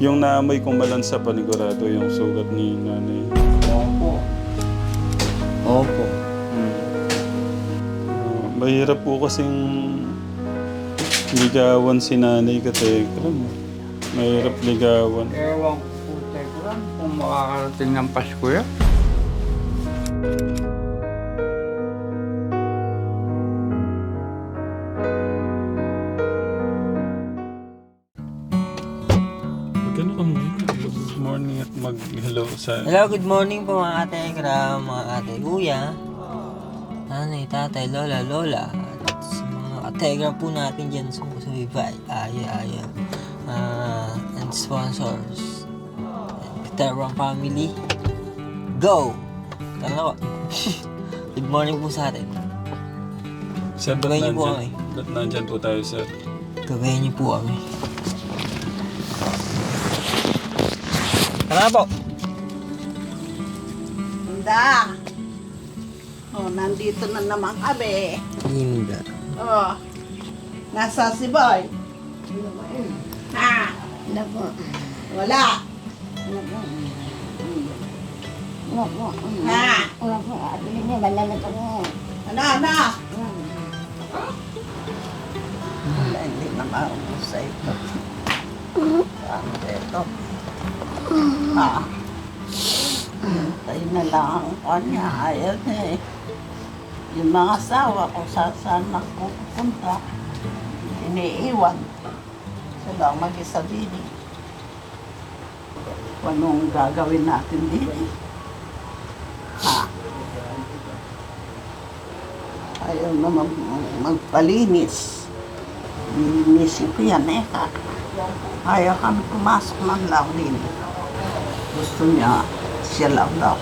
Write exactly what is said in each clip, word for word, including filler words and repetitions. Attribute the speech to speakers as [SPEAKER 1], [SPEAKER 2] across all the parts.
[SPEAKER 1] Yung naamoy kumalan sa panigurado yung sugat ni nanay.
[SPEAKER 2] Opo. Opo.
[SPEAKER 1] Hmm. Uh, mahirap po kasing ligawan si nanay katekram. Mahirap ligawan.
[SPEAKER 2] Ewan ko po, Tekram, kung makakarating ng Pasko yan.
[SPEAKER 1] Magkano ka muna? Good morning at mag-hello sa...
[SPEAKER 3] Hello, good morning po mga ate Gram, mga ate kuya, nanay, tatay, lola, lola, at sa mga ate Gram po natin dyan sa Subibay, Aya, Aya, uh, and sponsors, and Peteron family, go! Tala ko. Good morning po sa atin.
[SPEAKER 1] Sir, ba't
[SPEAKER 3] Gabayan niyo po
[SPEAKER 1] nandyan, ba't nandyan po tayo, sir?
[SPEAKER 3] Gabayan niyo po kami. Tara po!
[SPEAKER 4] Handa. Oh, nandito na naman kami.
[SPEAKER 3] Linda.
[SPEAKER 4] Oh, nasa si Boy. Ha?
[SPEAKER 5] Wala po.
[SPEAKER 4] Wala.
[SPEAKER 5] Wala po. Wala po.
[SPEAKER 4] Ha?
[SPEAKER 5] Wala po. Ate niya, malala po.
[SPEAKER 4] Ano, ano? Wala, hindi na maubos sa ito. Ano ito? Ha? Tayo na lang ang kanya. Ayaw niya eh. Yung mga asawa ko sa saan ako pupunta. Iniiwan. Sila ang mag-isa din eh. Anong gagawin natin din eh? Ha? Ayaw naman magpalinis. Linisin ko yan eh. Ha? Ayaw kami pumasok ng lawin. Gusto niya, siya lang daw.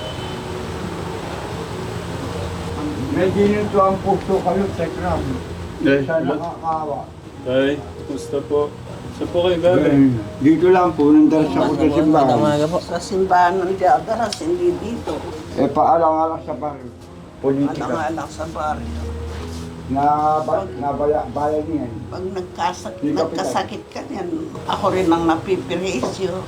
[SPEAKER 2] Medyo nito ang puso kayo, Tekram.
[SPEAKER 1] Eh,
[SPEAKER 2] Sa
[SPEAKER 1] lo-
[SPEAKER 2] nakakawa.
[SPEAKER 1] Tay, kumusta po? Saan po kayo galing?
[SPEAKER 2] Dito lang po, nandaras ako sa simbahan.
[SPEAKER 3] Umaga po.
[SPEAKER 4] Sa simbahan ng Diagaras, hindi dito.
[SPEAKER 2] Eh, paalang-alang sa barrio. Politika.
[SPEAKER 4] Alang-alang sa baryo.
[SPEAKER 2] Na, ba, na baya, bayan niyan.
[SPEAKER 4] Pag nagkasak,
[SPEAKER 2] Hindi ka
[SPEAKER 4] nagkasakit ka niyan, ako rin ang napipirisyo.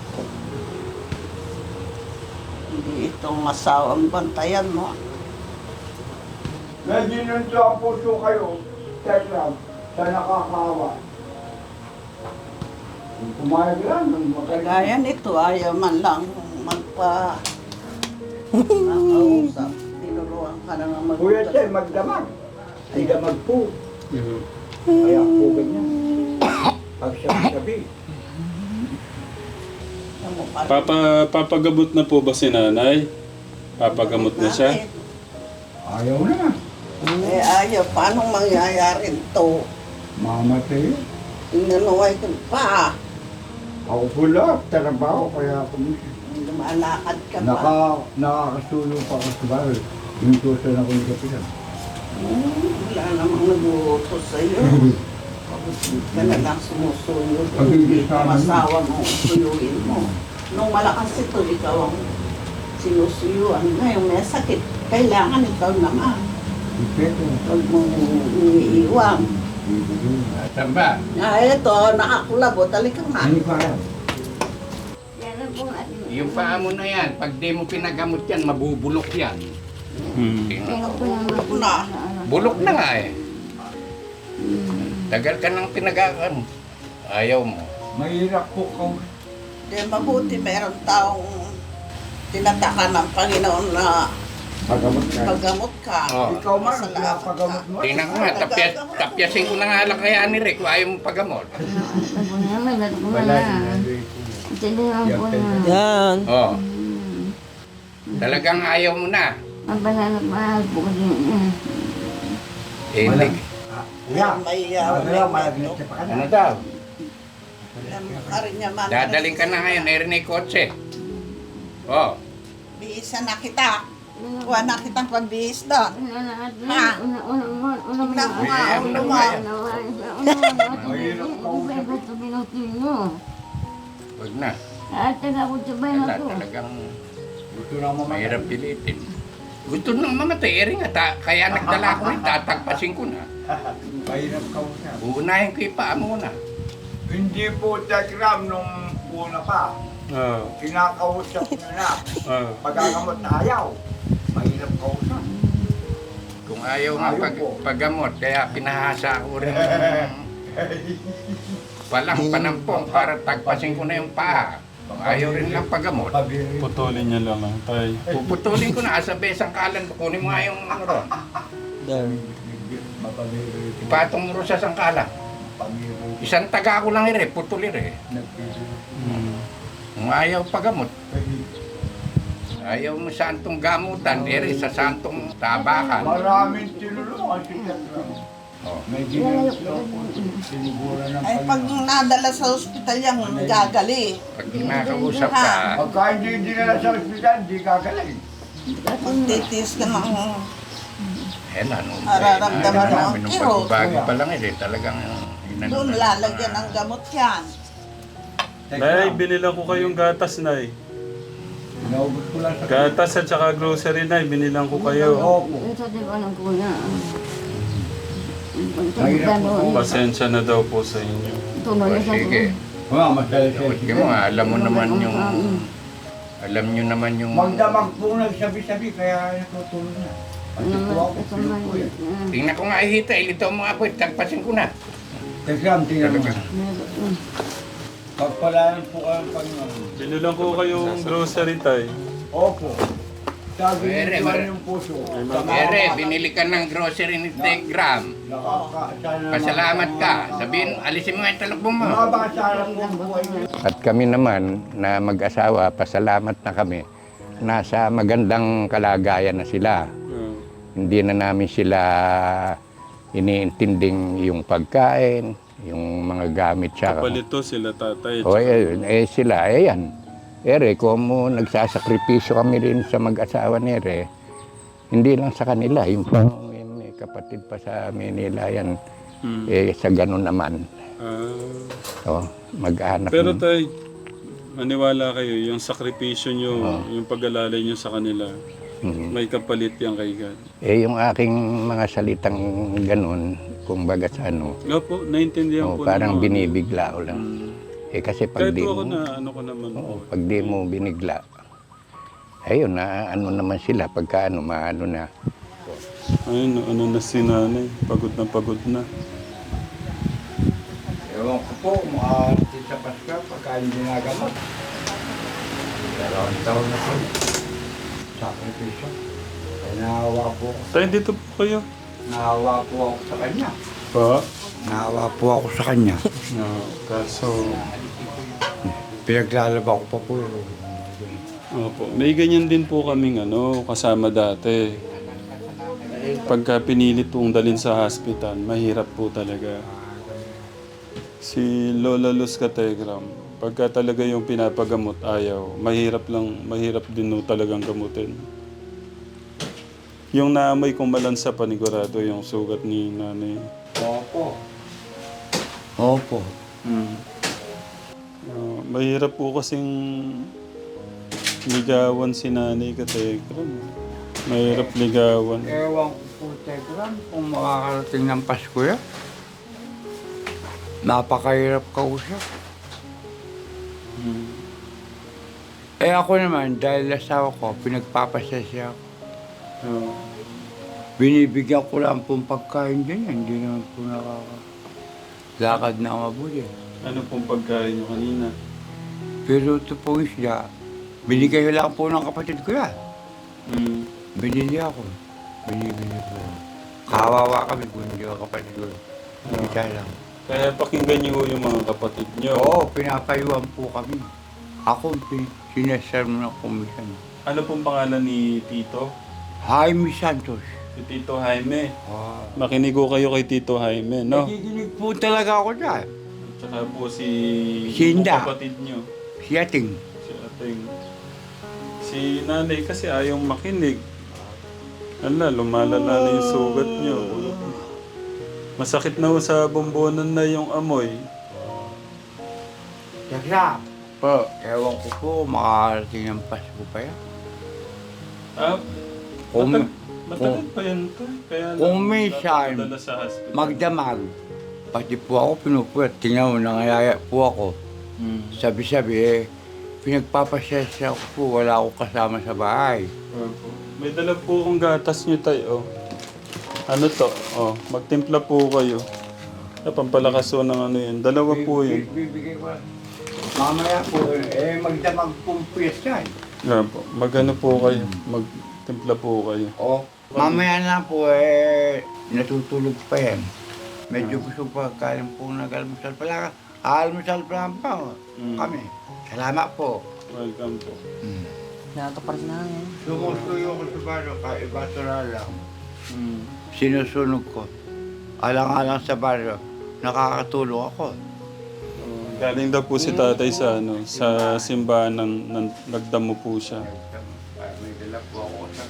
[SPEAKER 4] Hindi itong asawang bantayan mo.
[SPEAKER 2] Medyo nito ang puso kayo, Tekram, sa nakakawa. Kung pumayag lang, magaling.
[SPEAKER 4] Kagaya nito, ayaw man lang magpa... Nakausap. Tinuluan ka na nga
[SPEAKER 2] Kuya
[SPEAKER 4] mag-
[SPEAKER 2] Che, magdamag. Ay damag po.
[SPEAKER 1] Mhm.
[SPEAKER 2] Kaya po ganyan. Pag sabi-sabi.
[SPEAKER 4] Ano, parang-
[SPEAKER 1] Papa, papagamot na po ba si nanay? Papagamot na siya?
[SPEAKER 2] Ayaw na.
[SPEAKER 4] Eh, ayaw. Paano mangyayari ito?
[SPEAKER 2] Mamatay.
[SPEAKER 4] Inanuway ko pa.
[SPEAKER 2] Ako pula, trabaho, kaya ako
[SPEAKER 4] Lumalakad ka pa.
[SPEAKER 2] naka, nakakasulong pa ako sa bahay. Yung tusan ako ng kapitan.
[SPEAKER 4] Hmm, wala namang nag-uutos sa'yo. Pagod ka na lang sumusuyo.
[SPEAKER 2] Pag hindi
[SPEAKER 4] Hindi ka
[SPEAKER 2] sana-
[SPEAKER 4] masawa mo, suyuin mo. Nung malakas ito, ikaw ang sinusuyuan. Ngayon may sakit. Kailangan ikaw naman.
[SPEAKER 2] Ipito.
[SPEAKER 4] Huwag mong iniiwan.
[SPEAKER 2] Tamba.
[SPEAKER 4] Ah, ito, nakakulabo. Talika nga.
[SPEAKER 2] Ano pa yan?
[SPEAKER 5] Yan lang po ate.
[SPEAKER 6] Yung paa mo na yan, pag di mo pinagamot yan, mabubulok yan.
[SPEAKER 1] Hmm.
[SPEAKER 5] Kaya po naman
[SPEAKER 4] Na.
[SPEAKER 6] Bulok na nga eh. Tagal ka nang pinagamot. Ayaw mo.
[SPEAKER 2] Mahirap po kung
[SPEAKER 4] Di mabuti meron taong tinataka ng Panginoon na
[SPEAKER 2] pagamot ka.
[SPEAKER 4] paggamot ka.
[SPEAKER 6] Oh.
[SPEAKER 2] Ikaw man,
[SPEAKER 4] Masalamat
[SPEAKER 2] pagamot mo.
[SPEAKER 6] Tingnan ko nga, tapya, tapyasin ko na nga lang kaya ni Rick, ayaw mo pagamot.
[SPEAKER 5] Ate po naman, ate po
[SPEAKER 2] Wala
[SPEAKER 5] naman.
[SPEAKER 2] din.
[SPEAKER 5] Ate naman po naman.
[SPEAKER 3] Yan.
[SPEAKER 6] Oh. Talagang ayaw mo na.
[SPEAKER 5] Ang banana mahal po kasi. mm.
[SPEAKER 6] Eh,
[SPEAKER 2] Wala.
[SPEAKER 6] hindi.
[SPEAKER 2] Kuya,
[SPEAKER 4] May
[SPEAKER 2] ano
[SPEAKER 4] uh,
[SPEAKER 2] lang, malaglit ka pa ka
[SPEAKER 6] Ano
[SPEAKER 2] na.
[SPEAKER 6] daw?
[SPEAKER 4] Karin niya man.
[SPEAKER 6] Dadaling ka na ngayon, narinig kotse. Oh.
[SPEAKER 4] Bihisan na kita. Kuha na kitang pagbihis doon.
[SPEAKER 5] Una na ate.
[SPEAKER 4] Ha?
[SPEAKER 5] Una, una, una, una,
[SPEAKER 4] Tingnan ko nga,
[SPEAKER 6] Ayan,
[SPEAKER 4] ulo
[SPEAKER 6] ano
[SPEAKER 4] mo.
[SPEAKER 6] nga yan?
[SPEAKER 5] Una, una, una, una,
[SPEAKER 2] Mahirap ka.
[SPEAKER 5] Iba iba ito pinutin nyo.
[SPEAKER 6] Huwag na.
[SPEAKER 5] Ate nga po sabay na
[SPEAKER 6] Wala,
[SPEAKER 5] to.
[SPEAKER 6] talagang
[SPEAKER 2] Gusto na mo
[SPEAKER 6] mahirap pilitin. Gusto nang mamatay, eri nga, ta- kaya nagdala ko rin, tatagpasin ko na.
[SPEAKER 2] Mahirap ka mo siya.
[SPEAKER 6] Uunahin ko yung paa muna.
[SPEAKER 2] Hindi po, Tekram, nung una pa.
[SPEAKER 1] Ah.
[SPEAKER 2] Kinakausap nyo na.
[SPEAKER 1] Ah.
[SPEAKER 2] Pagagamot na ayaw. Mahirap kausap.
[SPEAKER 6] Kung ayaw nga
[SPEAKER 2] Ayaw
[SPEAKER 6] pag,
[SPEAKER 2] po.
[SPEAKER 6] paggamot, kaya pinahasa ko rin palang panampong para tagpasin ko na yung paa. Kung ayaw rin lang paggamot,
[SPEAKER 2] Pabiri.
[SPEAKER 1] Putulin niya lang ah, tay.
[SPEAKER 6] puputulin ko na asa besang kalan, kunin mo nga yung ano ron.
[SPEAKER 3] There.
[SPEAKER 2] Mapabiri.
[SPEAKER 6] Ipatong mo ron sa sangkalan.
[SPEAKER 2] Pabiri.
[SPEAKER 6] Isang taga ko lang ire, putulir eh.
[SPEAKER 2] Nagpili.
[SPEAKER 1] Hmm.
[SPEAKER 6] Kung ayaw paggamot, ayaw mo santong gamutan, ere sa santong tabakan.
[SPEAKER 2] Maraming tinulungan si Tekram.
[SPEAKER 6] Oh.
[SPEAKER 2] May ginagawa po. Sinigura ng
[SPEAKER 4] Ay, pag nadala sa ospital yung gagali.
[SPEAKER 6] Pag kinakausap ka,
[SPEAKER 2] Pagka hindi dinala sa ospital, hindi gagaling.
[SPEAKER 4] Kung titis ka ng
[SPEAKER 6] eh na, nung
[SPEAKER 4] Nararamdaman mo ang
[SPEAKER 6] namin, nung
[SPEAKER 4] kirot.
[SPEAKER 6] pagbagi pa lang eh, talagang inano
[SPEAKER 4] doon
[SPEAKER 6] na-
[SPEAKER 4] lalagyan ng gamot yan.
[SPEAKER 1] Nay, binilang ko kayong gatas, Nay.
[SPEAKER 2] Inaubos ko lang sa...
[SPEAKER 1] Gatas at saka grocery, Nay. Binilang ko kayo.
[SPEAKER 2] Opo.
[SPEAKER 5] Ito di ba ng kuya?
[SPEAKER 2] Mahirap po.
[SPEAKER 1] Pasensya na daw po sa inyo.
[SPEAKER 5] Tuloy
[SPEAKER 6] Oh,
[SPEAKER 5] sa
[SPEAKER 6] sige.
[SPEAKER 2] Wala, masaya
[SPEAKER 6] Sige mo, ah, alam mo naman yung... Alam nyo naman yung...
[SPEAKER 2] Magdamag po nagsabi-sabi, kaya natutulog na. Pati po ako, tulog po yan.
[SPEAKER 6] Tingnan ko nga ihita, ilitaw mo nga po, tagpasin ko na.
[SPEAKER 2] Tekram, tingnan mo.
[SPEAKER 6] Talaga.
[SPEAKER 2] Pagpalayan po kayo ng Panginoon.
[SPEAKER 1] Binilang ko kayong grocery, Tay.
[SPEAKER 2] Opo. Sabi
[SPEAKER 6] Ere,
[SPEAKER 2] niyo
[SPEAKER 6] mer-
[SPEAKER 2] yung puso.
[SPEAKER 6] Ere, binili ka ng grocery ni Tegram.
[SPEAKER 2] Nakaka- sana
[SPEAKER 6] Pasalamat ka.
[SPEAKER 2] makasama-
[SPEAKER 6] Sabihin, alisin mo nga yung talakbong mo.
[SPEAKER 2] Mabasara po ang buhay niyo.
[SPEAKER 6] At kami naman na mag-asawa, pasalamat na kami. Nasa magandang kalagayan na sila.
[SPEAKER 1] Ah.
[SPEAKER 6] Hindi na namin sila iniintinding yung pagkain, yung mga gamit sa...
[SPEAKER 1] Kapalito sila, tatay.
[SPEAKER 6] O eh, eh sila, eh yan. Ere, kung mo nagsasakripisyo kami rin sa mag-asawa ni Ere, hindi lang sa kanila, yung pang may kapatid pa sa Manila yan,
[SPEAKER 1] Hmm.
[SPEAKER 6] eh sa ganun naman.
[SPEAKER 1] Ah.
[SPEAKER 6] O, mag-anak.
[SPEAKER 1] Pero tay, maniwala kayo, yung sakripisyo nyo,
[SPEAKER 6] Ah.
[SPEAKER 1] yung pag-alalay nyo sa kanila,
[SPEAKER 6] Mhm.
[SPEAKER 1] may kapalit yan kay God.
[SPEAKER 6] Eh yung aking mga salitang ganun, kung baga sa ano,
[SPEAKER 1] Opo, naintindihan
[SPEAKER 6] o,
[SPEAKER 1] ko
[SPEAKER 6] parang
[SPEAKER 1] naman.
[SPEAKER 6] binibigla ko lang.
[SPEAKER 1] Hmm.
[SPEAKER 6] Eh kasi pag
[SPEAKER 1] Kahit
[SPEAKER 6] di
[SPEAKER 1] po ako
[SPEAKER 6] mo,
[SPEAKER 1] na, ano ko naman po.
[SPEAKER 6] oo, pag di mo binigla, ayun na ano naman sila, pagka ano, maano na.
[SPEAKER 1] Ayun, ano na si nanay, pagod na pagod na.
[SPEAKER 2] Ewan ko po, makarating sa Pasko pagka hindi nagamot. Dalawang taon na po. Sakripisyo. Kaya nahawa po ako.
[SPEAKER 1] Tay, dito po kayo.
[SPEAKER 2] Nahawa po ako sa kanya.
[SPEAKER 1] Pa?
[SPEAKER 2] Nahawa po ako sa kanya.
[SPEAKER 1] No, kaso,
[SPEAKER 2] Pinaglalaba ko pa po.
[SPEAKER 1] opo, may ganyan din po kaming ano, kasama dati. Pagka pinilit pong dalhin sa hospital, mahirap po talaga. Si Lola Luz Kategram, pagka talaga yung pinapagamot, ayaw. Mahirap lang, mahirap din no talagang gamutin. Yung naamoy kong malansa panigurado yung sugat ni nanay.
[SPEAKER 2] Opo. Opo.
[SPEAKER 1] Hmm. Ah, mahirap po kasing ligawan si nanay Kategram. Mahirap ligawan.
[SPEAKER 2] Ewan ko po, Tekram, kung makakarating ng Pasko yan. Napakahirap kausap.
[SPEAKER 1] Hmm.
[SPEAKER 2] Eh ako naman, dahil asawa ko, pinagpapasasya ako.
[SPEAKER 1] Ah.
[SPEAKER 2] Binibigyan ko lang pong pagkain dyan yan. Hindi naman po nakakalakad na mabuti.
[SPEAKER 1] Ano pong pagkain nyo kanina?
[SPEAKER 2] Pero ito pong isda, binigay ko lang po ng kapatid ko yan.
[SPEAKER 1] Hmm.
[SPEAKER 2] Binili ako. Binibili ko. Kawawa kami kung hindi ako kapatid ko. Isa lang.
[SPEAKER 1] Kaya pakinggan niyo yung mga kapatid niyo.
[SPEAKER 2] Oo, pinapayuhan po kami. Ako, pin- sinasermo ng komisyon.
[SPEAKER 1] Ano pong pangalan ni Tito?
[SPEAKER 2] Jaime Santos.
[SPEAKER 1] Si Tito Jaime.
[SPEAKER 2] Wow.
[SPEAKER 1] Makinig ko kayo kay Tito Jaime, no?
[SPEAKER 2] Nakikinig po talaga ako dyan.
[SPEAKER 1] Tsaka po si...
[SPEAKER 2] Sinda.
[SPEAKER 1] yung kapatid niyo.
[SPEAKER 2] Si Ating.
[SPEAKER 1] Si Ating. Si nanay kasi ayaw makinig. Ala, lumalala na yung sugat niyo. Masakit na ho sa bombonan na yung amoy.
[SPEAKER 2] Tekram,
[SPEAKER 1] Pa.
[SPEAKER 2] ewan ko po, makakarating ng Pasko pa yan.
[SPEAKER 1] Ah,
[SPEAKER 2] Kung,
[SPEAKER 1] matag- matagal pa yan to. Kaya lang,
[SPEAKER 2] kung minsan,
[SPEAKER 1] dadala sa hospital.
[SPEAKER 2] magdamag. Pati po ako pinupuyat. Tingnan mo, nangayaya po ako.
[SPEAKER 1] Mm.
[SPEAKER 2] Sabi-sabi eh, pinagpapasyesya ko po, wala akong kasama sa bahay.
[SPEAKER 1] Opo. May dala po akong gatas nyo tayo. Oh. Ano to? Oh, magtimpla po kayo. Ah, pampalakas po ng ano yun. Dalawa po yun.
[SPEAKER 2] Bibigay ko. Mamaya po, eh, magdamag pong piyesta.
[SPEAKER 1] Yeah, po. Magano po kayo. Magtimpla po kayo.
[SPEAKER 2] O, mamaya na po, eh, natutulog pa yan. Medyo gusto pa, kaya po nag-almusal pala. Almusal pa lang pa, oh,
[SPEAKER 1] Mm.
[SPEAKER 2] kami. Salamat po.
[SPEAKER 1] Welcome po.
[SPEAKER 3] Nakakapart na yan.
[SPEAKER 2] Sumusuyo ko sa baro, kahit basura lang.
[SPEAKER 1] Mm.
[SPEAKER 2] Sinusunog ko. Alang-alang sa baro, nakakatulong ako.
[SPEAKER 1] Oh, galing daw po si tatay sa ano, sa simbahan ng, ng nagdamo po siya.
[SPEAKER 2] May dala po ako sa...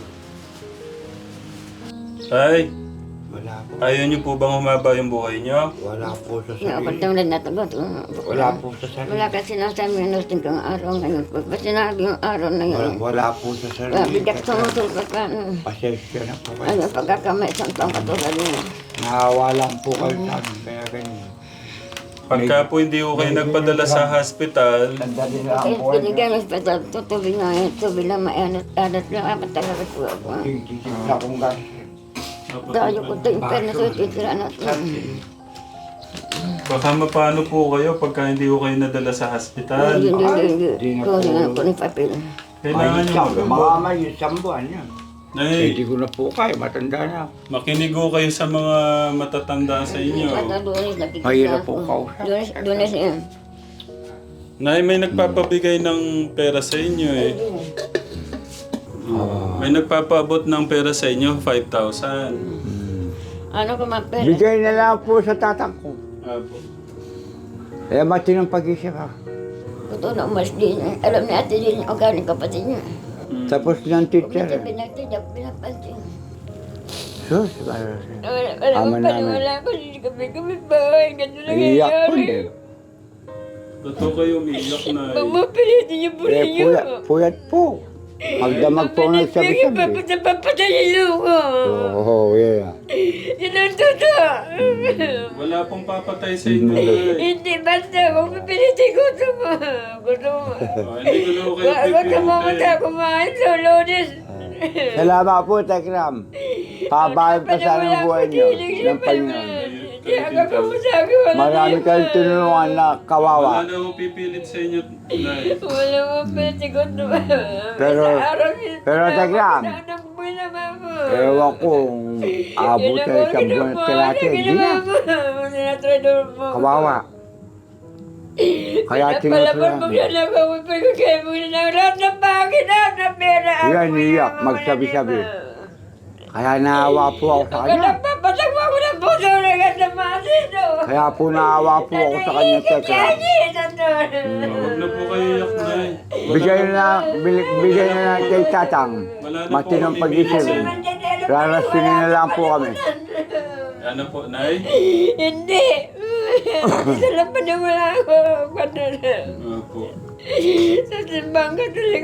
[SPEAKER 1] Tay,
[SPEAKER 2] Wala po.
[SPEAKER 1] ayaw niyo po bang humaba yung buhay niyo?
[SPEAKER 2] Wala po sa
[SPEAKER 5] Nga,
[SPEAKER 2] sarili.
[SPEAKER 5] pagtang rin natagot.
[SPEAKER 2] Wala po sa sarili.
[SPEAKER 5] Wala ka sinasabi ng lusting kang araw ngayon. Pag ba sinabi yung araw na
[SPEAKER 2] Wala,
[SPEAKER 5] yun,
[SPEAKER 2] wala po sa sarili.
[SPEAKER 5] wala, bigat sumusulpat ka. Ano,
[SPEAKER 2] Pasensya na po kayo.
[SPEAKER 5] ano, pagkakamay, isang taong katulad mo.
[SPEAKER 2] Nahawa lang po kayo sa amin, kaya ganyan.
[SPEAKER 1] Pagka po hindi ko kayo nagpadala sa hospital,
[SPEAKER 2] Sandali na ang
[SPEAKER 5] Kaya
[SPEAKER 2] buhay niyo.
[SPEAKER 5] binigyan ng hospital, tutubig nga yun, tubig lang, maanat-anat lang, apat talaga po ako.
[SPEAKER 2] Tigitig na akong gas.
[SPEAKER 5] Dahil ko ito yung perna sa ititira natin.
[SPEAKER 1] baka mapano po kayo pagka hindi ko kayo nadala sa hospital.
[SPEAKER 5] Hindi, hindi, hindi.
[SPEAKER 2] di na
[SPEAKER 5] Kung
[SPEAKER 2] po.
[SPEAKER 5] sino po ng papel.
[SPEAKER 1] Kailangan nyo
[SPEAKER 2] Mga
[SPEAKER 1] mag-
[SPEAKER 2] may isang buwan yan.
[SPEAKER 1] Nay,
[SPEAKER 2] Hindi ko na po kayo, matanda na ako.
[SPEAKER 1] makinig ko kayo sa mga matatanda sa inyo.
[SPEAKER 5] At lunes, nakikita
[SPEAKER 2] Mahirap po
[SPEAKER 5] ako.
[SPEAKER 2] kausap.
[SPEAKER 5] Lunes, lunes yan.
[SPEAKER 1] Nay, may nagpapabigay ng pera sa inyo eh. May nagpapaabot ng pera sa inyo, five thousand.
[SPEAKER 5] Ano ko mga pera?
[SPEAKER 2] Bigay na lang po sa tatang ko.
[SPEAKER 1] Apo.
[SPEAKER 2] Kaya matinong pag-isip ha.
[SPEAKER 5] Totoo na umalis din. Alam ni ate din o galing kapatid niya.
[SPEAKER 2] Tapos ng teacher.
[SPEAKER 5] Hindi pinagtidap, pinapansin.
[SPEAKER 2] Sus, ano
[SPEAKER 5] Wala, wala
[SPEAKER 2] Ama
[SPEAKER 5] akong
[SPEAKER 2] namin.
[SPEAKER 5] paniwala ko. Hindi kami kami ba? Ganito lang
[SPEAKER 2] Iiyak po
[SPEAKER 5] nangyayari.
[SPEAKER 2] din.
[SPEAKER 1] Totoo kayo, umiiyak na
[SPEAKER 5] Pag
[SPEAKER 1] eh.
[SPEAKER 5] mapilitin niyo po
[SPEAKER 2] Eh,
[SPEAKER 5] ninyo.
[SPEAKER 2] puyat, puyat po. Magdamag po nagsabi-sabi.
[SPEAKER 5] Papatay, papatay yung luko.
[SPEAKER 2] Oo, yeah.
[SPEAKER 5] Yun ang totoo.
[SPEAKER 1] Wala pong papatay sa inyo. Nay.
[SPEAKER 5] Hindi, basta kung pipilitin ko ito mo. Gusto mo.
[SPEAKER 1] Oh, hindi ko na kayo
[SPEAKER 5] Wag ka mamunta
[SPEAKER 1] pipilitin.
[SPEAKER 5] kumain sa lunes.
[SPEAKER 2] Salamat po, Tekram. Pabayad pa sana ang buhay niyo ng Panginoon.
[SPEAKER 5] Hindi ako kumusabi. Wala
[SPEAKER 2] Marami
[SPEAKER 5] na
[SPEAKER 2] kayong
[SPEAKER 5] yun.
[SPEAKER 2] tinulungan na
[SPEAKER 1] Wala
[SPEAKER 2] kawawa.
[SPEAKER 1] na akong pipilit sa inyo, Nay.
[SPEAKER 5] Wala mo pwede ko ito.
[SPEAKER 2] Pero-
[SPEAKER 5] Sa araw yun,
[SPEAKER 2] pero Tekram,
[SPEAKER 5] anak mo na mama.
[SPEAKER 2] Ewan ko kung abot
[SPEAKER 5] Yun
[SPEAKER 2] sa
[SPEAKER 5] ang
[SPEAKER 2] isang buwan
[SPEAKER 5] ginawa
[SPEAKER 2] at kalate.
[SPEAKER 5] niya,
[SPEAKER 2] Hindi
[SPEAKER 5] ginawa
[SPEAKER 2] na.
[SPEAKER 5] mo. Sinatrador mo.
[SPEAKER 2] Kawawa. Kaya
[SPEAKER 5] Pinapalaban mo
[SPEAKER 2] tinutulungan.
[SPEAKER 5] siya na kawipay ko kayo mo na lahat ng bagay na na pera.
[SPEAKER 2] Yan, iyak, magsabi-sabi. Kaya naawa po ako sa
[SPEAKER 5] Ako
[SPEAKER 2] kanya.
[SPEAKER 5] nagpapatag mo ako ng puso na ganda masino.
[SPEAKER 2] Kaya po naawa po ako sa kanya, Tekram.
[SPEAKER 1] Huwag na po kayo iyak, Nay. Wala
[SPEAKER 2] Bigay
[SPEAKER 1] na-
[SPEAKER 2] na, bil- bigay na lang kay Tatang.
[SPEAKER 1] Wala na po
[SPEAKER 2] Matinong
[SPEAKER 1] kami
[SPEAKER 2] pag-isip.
[SPEAKER 1] pipilit.
[SPEAKER 2] Rarasinin na lang po kami.
[SPEAKER 1] Ano po, Nay?
[SPEAKER 5] Hindi. Isa lang pa na wala ako. Kano na.
[SPEAKER 1] Opo.
[SPEAKER 5] Sa simbang katoliko.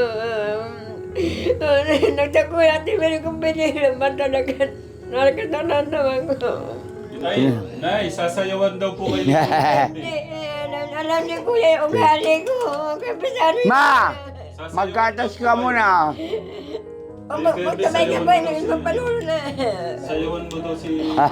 [SPEAKER 5] Nagtako natin meron kong pinilaman talaga. Nakakatanan naman ko.
[SPEAKER 1] Nay, Nay, sasayawan daw po kayo.
[SPEAKER 5] Hindi, alam, alam ni Kuya yung ugali ko. Kaya pisari
[SPEAKER 2] Ma! Magkatas ka muna.
[SPEAKER 5] O magkamay ka ba yung magpanulo na.
[SPEAKER 1] Sayawan mo daw si...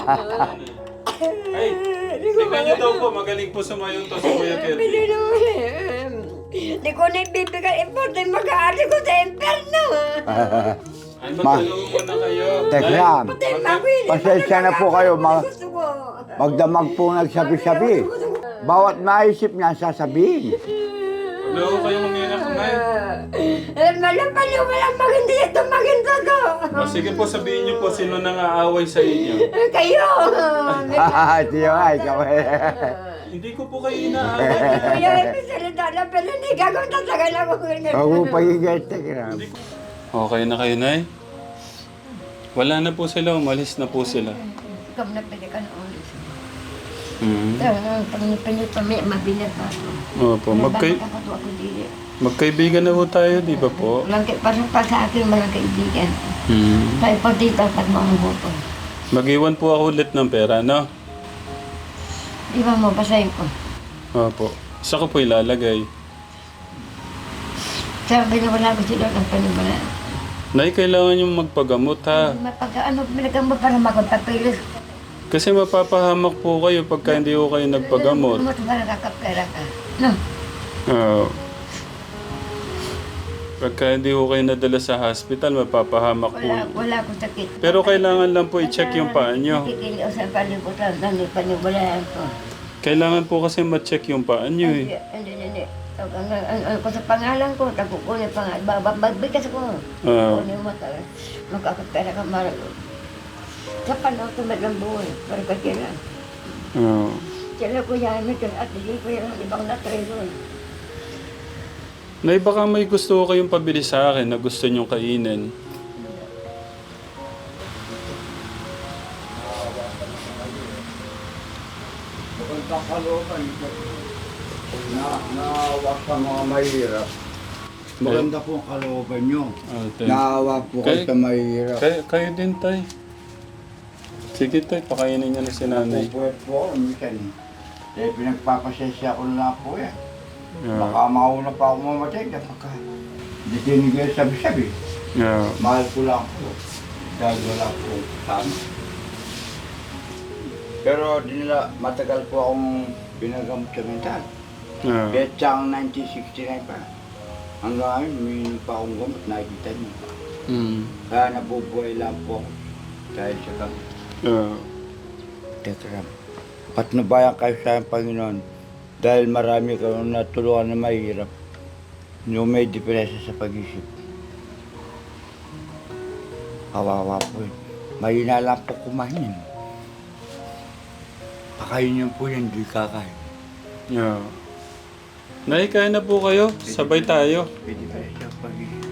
[SPEAKER 1] Ay, tingnan niyo daw po, magaling po sumayaw to si Kuya Kelvin.
[SPEAKER 5] Pinunuli. Hindi ko na ibibigay. Importante mag-aari ko sa imperno.
[SPEAKER 1] Ay,
[SPEAKER 2] Ma-
[SPEAKER 1] magtulungan mo na kayo.
[SPEAKER 2] Tekram,
[SPEAKER 5] Patay pa ako yun.
[SPEAKER 2] pasensya na po kayo. Ma-
[SPEAKER 5] Gusto ko.
[SPEAKER 2] magdamag po nagsabi-sabi. Bawat maisip niya, sasabihin.
[SPEAKER 1] Huwag na ako kayong umiyak, Nay.
[SPEAKER 5] Eh, malapan yung walang maganda ito, maganda to.
[SPEAKER 1] O sige po, sabihin niyo po sino nang aaway sa inyo.
[SPEAKER 5] Eh, Kayo.
[SPEAKER 2] Tiyo ay, ikaw eh.
[SPEAKER 1] Hindi ko po kayo inaaway.
[SPEAKER 5] Kuya, may salita na, pero hindi gagawin tatagal ako.
[SPEAKER 2] Huwag mo pagigil, Tekram.
[SPEAKER 1] Okay na kayo, Nay? Wala na po sila, umalis na po sila.
[SPEAKER 5] Ikaw na pwede ka na ulit.
[SPEAKER 1] Hmm.
[SPEAKER 5] Pag nipinit pa, may mabilat pa ako.
[SPEAKER 1] Opo, magkay
[SPEAKER 5] Bakit ako dili?
[SPEAKER 1] magkaibigan na po tayo, di ba po?
[SPEAKER 5] Walang kay, parang pa sa akin, walang kaibigan.
[SPEAKER 1] Hmm.
[SPEAKER 5] Tayo pa dito, pag mamubuto.
[SPEAKER 1] Mag-iwan po ako ulit ng pera, no?
[SPEAKER 5] Di ba mo, basahin ko.
[SPEAKER 1] Opo. Saan ko po ilalagay?
[SPEAKER 5] Sabi na wala ko sila ng panibala.
[SPEAKER 1] Nay, kailangan yung magpagamot ha.
[SPEAKER 5] Mapag ano, pinagamo para magpapilis.
[SPEAKER 1] Kasi mapapahamak po kayo pagka hindi ko kayo nagpagamot.
[SPEAKER 5] Gamot para kakapera ka. No?
[SPEAKER 1] Oo. Pagka hindi ko kayo nadala sa hospital, mapapahamak po.
[SPEAKER 5] Wala, wala akong sakit.
[SPEAKER 1] Pero kailangan lang po i-check yung paa nyo.
[SPEAKER 5] Nakikili o sa palibutan, dami panibalaan ko.
[SPEAKER 1] Kailangan po kasi ma-check yung paa nyo eh.
[SPEAKER 5] Hindi, hindi, hindi. Ang, ang, ang, ang, ang, sa pangalan ko, takukunin pangalan. Babagbigas ko.
[SPEAKER 1] Ah.
[SPEAKER 5] Kunin mo talaga. Magkakapera ka marag. Sa panahon, tumad ng buhay. Para ka sila.
[SPEAKER 1] Oo.
[SPEAKER 5] Sila ko yan, ito at hindi ko yan, ibang natreson.
[SPEAKER 1] Nay, baka may gusto ko kayong pabili sa akin na gusto nyong kainin.
[SPEAKER 2] Magandang kalooban. Na, naawa sa mga mahirap. Maganda po ang kalooban nyo.
[SPEAKER 1] Ate.
[SPEAKER 2] Naawa po kayo
[SPEAKER 1] Kay-
[SPEAKER 2] sa mahirap.
[SPEAKER 1] Kayo, kayo din, tay. Sige, tay. Pakainin niya na si nanay.
[SPEAKER 2] Napupuwet po ako minsan eh. Dahil pinagpapasensya ko na po eh.
[SPEAKER 1] Yeah.
[SPEAKER 2] Baka mauna pa ako mamatay kapag ka hindi tinigil sabi-sabi.
[SPEAKER 1] Yeah.
[SPEAKER 2] Mahal ko lang po. Dahil wala po sa amin. Pero di nila matagal po akong pinagamot sa mental.
[SPEAKER 1] Yeah.
[SPEAKER 2] Kahit siyang nineteen sixty-nine pa. Hanggang ngayon, umiinom pa akong gamot, nakikita niyo.
[SPEAKER 1] Mm.
[SPEAKER 2] Kaya nabubuhay lang po ako dahil sa gamot.
[SPEAKER 1] Yeah.
[SPEAKER 2] Tekram. Patnubayan kayo sa aking Panginoon dahil marami kayong natulungan na mahirap. Yung may depresya sa pag-isip. Kawawa po yun. Mahina lang po kumain. Pakain niyo po yan, di kakain.
[SPEAKER 1] Yeah. Nay, kain na po kayo. Sabay tayo.
[SPEAKER 2] May depresya sa pag-isip.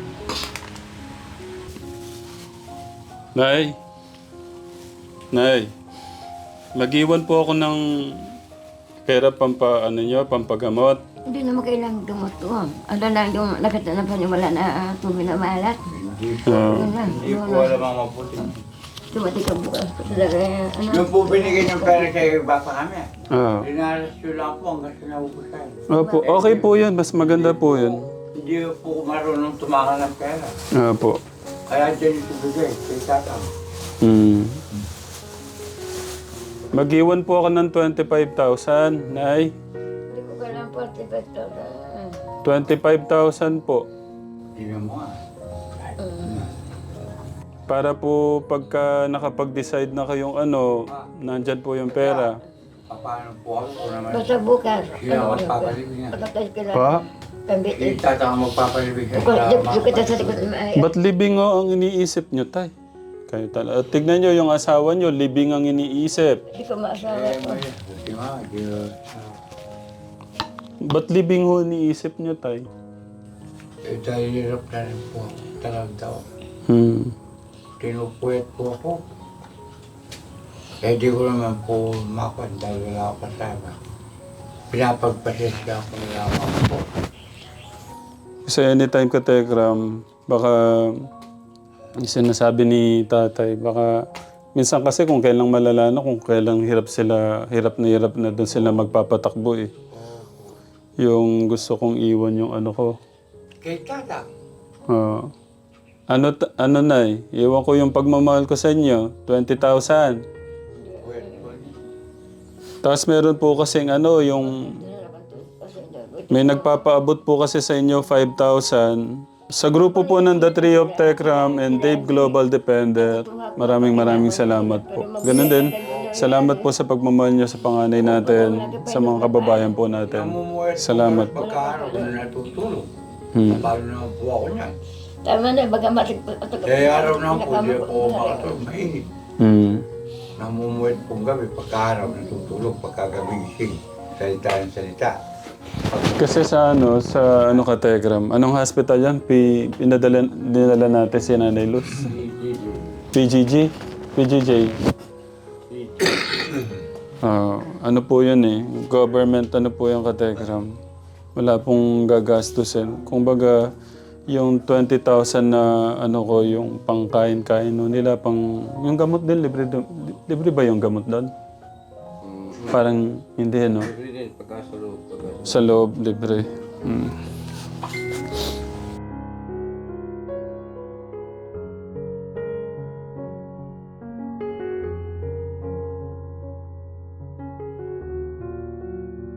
[SPEAKER 1] Nay. Nay. Mag-iwan po ako ng pera pampa, ano nyo, pampagamot.
[SPEAKER 5] Hindi naman kailangan gamot ko. Ano lang yung nakita na paniwala na uh, tubig na malat.
[SPEAKER 2] Hindi po,
[SPEAKER 1] Ah.
[SPEAKER 5] Yun lang.
[SPEAKER 2] hindi po alam ang mabuti.
[SPEAKER 5] Tumati ka bukas. Talaga, ano?
[SPEAKER 2] Yung po binigay ng pera sa iba pa kami.
[SPEAKER 1] Ah.
[SPEAKER 2] Dinaras nyo lang po hanggang sa naubusan.
[SPEAKER 1] Opo, okay po yun. Mas maganda po yun.
[SPEAKER 2] Hindi po ko marunong tumakan ng pera.
[SPEAKER 1] Opo.
[SPEAKER 2] Kaya dyan ito bigay, kay tatang.
[SPEAKER 1] Hmm. Mag-iwan po ako ng twenty-five thousand, Nay.
[SPEAKER 5] Hindi ko kailangan forty-five thousand.
[SPEAKER 1] twenty-five thousand po.
[SPEAKER 2] Tingnan mo nga.
[SPEAKER 1] Para po pagka nakapag-decide na kayong ano, nandyan po yung pera.
[SPEAKER 2] Paano po ako kung naman
[SPEAKER 5] Basta bukas.
[SPEAKER 2] sila magpapalibig niya.
[SPEAKER 5] Pagkatay ka lang.
[SPEAKER 1] Pa?
[SPEAKER 5] Pambitin.
[SPEAKER 2] Kay tatang magpapalibig siya
[SPEAKER 5] Kung
[SPEAKER 2] sa
[SPEAKER 5] yung kita sa likod na maayos.
[SPEAKER 1] Ba't libing o ang iniisip nyo, tay? Kayo talaga. Tignan nyo yung asawa nyo, libing ang iniisip.
[SPEAKER 5] Hindi ko maasawa
[SPEAKER 2] Eh,
[SPEAKER 5] ko.
[SPEAKER 2] may, buti nga, di
[SPEAKER 1] Ba't libing ho iniisip nyo, tay?
[SPEAKER 2] eh, dahil hirap na rin po ako. Talag daw.
[SPEAKER 1] Hmm.
[SPEAKER 2] Tinupuyat po ako. Eh, di ko naman po makuha dahil wala ako kasama. Pinapagpasensya ako na lang po.
[SPEAKER 1] Kasi anytime ka, Tekram, baka yung sinasabi ni tatay, baka minsan kasi kung kailang malala na, kung kailang hirap sila, hirap na hirap na doon sila magpapatakbo eh. Yung gusto kong iwan yung ano ko.
[SPEAKER 2] Kay tatang.
[SPEAKER 1] Ah. ano, ta- ano na eh, iwan ko yung pagmamahal ko sa inyo, twenty thousand.
[SPEAKER 2] Puyat po.
[SPEAKER 1] Tapos meron po kasing ano, yung may nagpapaabot po kasi sa inyo five thousand. Sa grupo po ng The Tree of Tekram and Dave Global Dependent, maraming maraming salamat po. Ganun din, salamat po sa pagmamahal nyo sa panganay natin, sa mga kababayan po natin.
[SPEAKER 2] Namumuhay po
[SPEAKER 1] Salamat
[SPEAKER 2] ako
[SPEAKER 1] po.
[SPEAKER 2] pagkaaraw ko na natutulog.
[SPEAKER 1] Hmm.
[SPEAKER 2] Paano naman po ako niyan?
[SPEAKER 5] Tama na, baga matik pa.
[SPEAKER 2] Kaya araw na po, di ako makatulog. Mainit.
[SPEAKER 1] Hmm.
[SPEAKER 2] Namumuhay pong gabi pagkaaraw natutulog, pagkagabi gising. Salita ng salita.
[SPEAKER 1] Kasi sa ano, sa ano ka Tekram, anong hospital yan? P, pinadala, dinala natin si Nanay Luz? P G G? P G J? Ah, ano po yun eh, government ano po yung katekram. Wala pong gagastusin. Kung baga, yung twenty thousand na ano ko, yung pangkain-kain no, nila, pang, yung gamot din, libre, do- libre ba yung gamot doon? Parang hindi, ano? Sa loob, libre. Mm.